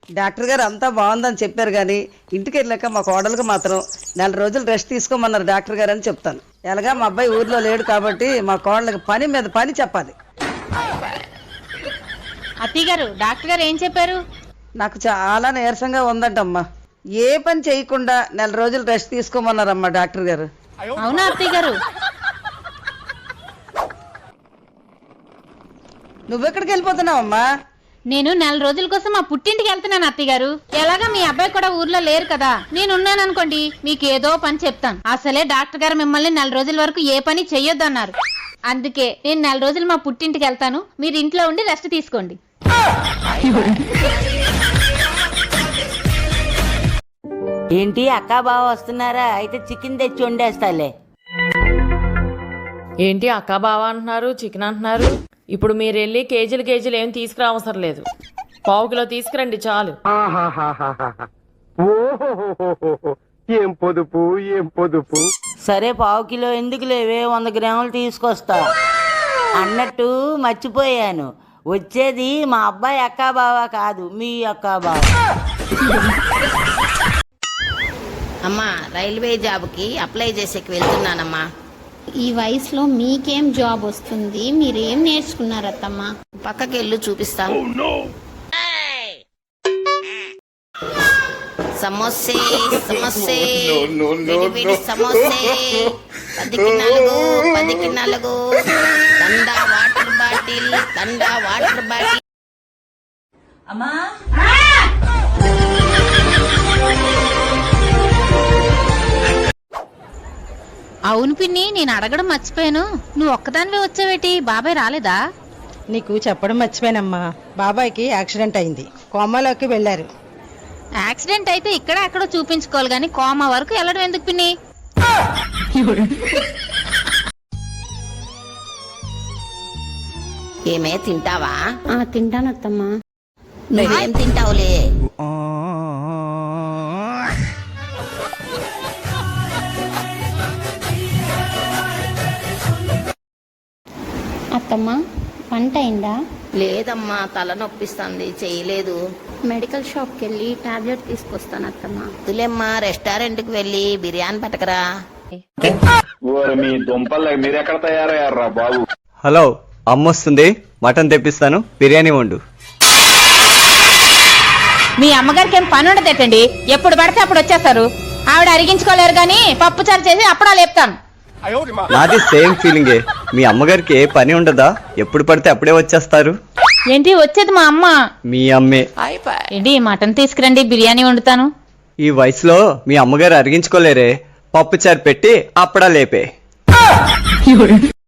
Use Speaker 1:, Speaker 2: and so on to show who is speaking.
Speaker 1: Doctor గారు అంతా బాగుందని చెప్పారు కానీ ఇంటికి వెళ్ళాక మా కోడలకు మాత్రం 4 రోజులు రెస్ట్ తీసుకోమన్నారు డాక్టర్ గారు అని చెప్తాను. ఎలాగా మా అబ్బాయి ఊర్లో లేడు కాబట్టి మా కోడలకు పని మీద పని చెప్పాలి.
Speaker 2: అత్తయ్య గారు డాక్టర్ గారు ఏం చెప్పారు?
Speaker 1: నాకు చాలా నీరసంగా ఉందంటమ్మా. ఏ పని చేయకుండా 4 రోజులు రెస్ట్ తీసుకోమన్నారమ్మా డాక్టర్ గారు.
Speaker 2: అవునా అత్తయ్య గారు?
Speaker 1: నువ్వెక్కడికి వెళ్ళిపోతున్నావమ్మా?
Speaker 2: నేను 4 రోజుల కోసం మా పుట్టింటికి వెళ్తున్నాను అత్తయ్య గారు. ఎలాగా మీ అబ్బాయి కూడా ఊర్లో లేరు కదా, నేనున్నాను అనుకోండి మీకు ఏదో పని చెప్తాను. అసలే డాక్టర్ గారు మిమ్మల్ని 4 రోజుల వరకు ఏ పని చెయ్యొద్దు అన్నారు. అందుకే నేను 4 రోజులు మా పుట్టింటికి వెళ్తాను, మీరు ఇంట్లో ఉండి రెస్ట్ తీసుకోండి.
Speaker 3: ఏంటి అక్క బావ వస్తున్నారా? అయితే చికెన్ తెచ్చి వండేస్తాలే.
Speaker 4: ఏంటి అక్క బావ అంటున్నారు, చికెన్ అంటున్నారు? ఇప్పుడు మీరు వెళ్ళి కేజీలు ఏం తీసుకురావసరం లేదు, 1/2 కిలో తీసుకురండి చాలు.
Speaker 5: ఏం పొదుపు ఏం పొదుపు.
Speaker 3: సరే 1/2 కిలో ఎందుకు లేవే, 100 గ్రాములు తీసుకొస్తా. అన్నట్టు మర్చిపోయాను, వచ్చేది మా అబ్బాయి అక్క బావ కాదు, మీ అక్క బావ.
Speaker 6: అమ్మా, రైల్వే జాబ్కి అప్లై చేసేకి వెళ్తున్నానమ్మా.
Speaker 7: ఈ వయసులో మీకేం జాబ్ వస్తుంది? మీరేం నేర్చుకున్నారత్తమ్మా?
Speaker 6: పక్కకెళ్ళు చూపిస్తా. సమోసే సమోసే వేడి సమోసే 10కి 4 తండా వాటర్ బాటిల్
Speaker 3: అమ్మా
Speaker 2: అవును పిన్ని, నేను అడగడం మర్చిపోయాను, నువ్వు ఒక్కదానివే వచ్చావేటి? బాబాయ్ రాలేదా?
Speaker 8: నీకు చెప్పడం మర్చిపోయానమ్మా, బాబాయ్కి యాక్సిడెంట్ అయింది, కోమాలోకి వెళ్ళారు.
Speaker 2: యాక్సిడెంట్ అయితే ఇక్కడ ఎక్కడో చూపించుకోవాలి గాని కోమా వరకు వెళ్ళడం ఎందుకు పిన్ని?
Speaker 6: ఏమే తింటావా?
Speaker 7: తింటానత్తమ్మా.
Speaker 6: నువ్వేం తింటావులే?
Speaker 7: అత్తమ్మా, వంట అయిందా?
Speaker 6: లేదమ్మా, తలనొప్పిస్తుంది, చేయలేదు.
Speaker 7: మెడికల్ షాప్కి వెళ్ళి టాబ్లెట్ తీసుకొస్తాను అత్తమ్మా.
Speaker 6: వద్దులేమ్మా, రెస్టారెంట్కి వెళ్ళి బిర్యానీ పట్టకరా.
Speaker 5: మీ దుంపలు మీరెక్కడ తయారయ్యారా బాబు?
Speaker 9: హలో, అమ్మొస్తుంది, మటన్ తెప్పిస్తాను, బిర్యానీ వండు.
Speaker 2: మీ అమ్మగారికి ఏం పని ఉండదేటండి, ఎప్పుడు పడితే అప్పుడు వచ్చేస్తారు. ఆవిడ అరిగించుకోలేరు గాని పప్పుచారు చేసి అప్పుడా లేపుతాను.
Speaker 9: నాది సేమ్ ఫీలింగే, మీ అమ్మగారికి ఏ పని ఉండదా, ఎప్పుడు పడితే అప్పుడే వచ్చేస్తారు.
Speaker 2: ఏంటి వచ్చేది మా అమ్మ?
Speaker 9: మీ అమ్మే.
Speaker 2: ఏంటి మటన్ తీసుకురండి, బిర్యానీ వండుతాను.
Speaker 9: ఈ వయసులో మీ అమ్మగారు అరిగించుకోలేరే, పప్పుచారు పెట్టి అప్పుడా లేపే.